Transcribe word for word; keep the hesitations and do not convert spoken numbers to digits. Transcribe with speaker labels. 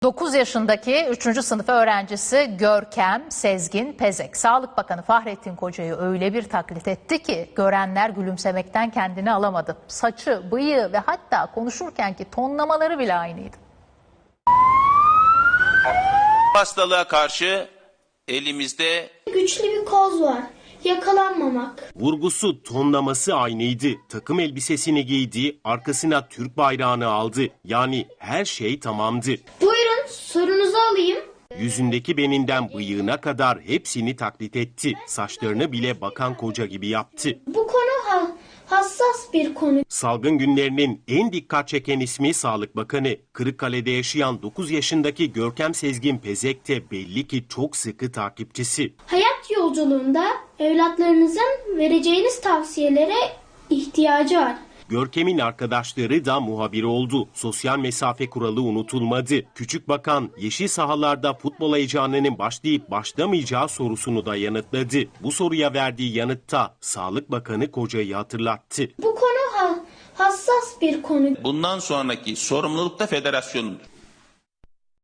Speaker 1: dokuz yaşındaki üçüncü sınıf öğrencisi Görkem Sezgin Pezek, Sağlık Bakanı Fahrettin Koca'yı öyle bir taklit etti ki görenler gülümsemekten kendini alamadı. Saçı, bıyığı ve hatta konuşurkenki tonlamaları bile aynıydı.
Speaker 2: Hastalığa karşı elimizde
Speaker 3: güçlü bir koz var. Yakalanmamak.
Speaker 4: Vurgusu, tonlaması aynıydı. Takım elbisesini giydi, arkasına Türk bayrağını aldı. Yani her şey tamamdı.
Speaker 3: Buyurun, sorunuzu alayım.
Speaker 4: Yüzündeki beninden bıyığına kadar hepsini taklit etti. Saçlarını bile Bakan Koca gibi yaptı.
Speaker 3: Bu konu ha hassas bir konu.
Speaker 4: Salgın günlerinin en dikkat çeken ismi Sağlık Bakanı. Kırıkkale'de yaşayan dokuz yaşındaki Görkem Sezgin Pezek de belli ki çok sıkı takipçisi.
Speaker 3: Hayat yolculuğunda evlatlarınızın vereceğiniz tavsiyelere ihtiyacı var.
Speaker 4: Görkem'in arkadaşları da muhabir oldu. Sosyal mesafe kuralı unutulmadı. Küçük bakan yeşil sahalarda futbol heyecanının başlayıp başlamayacağı sorusunu da yanıtladı. Bu soruya verdiği yanıtta Sağlık Bakanı Koca'yı hatırlattı.
Speaker 3: Bu konu ha hassas bir konu.
Speaker 2: bundan sonraki sorumluluk da federasyonun.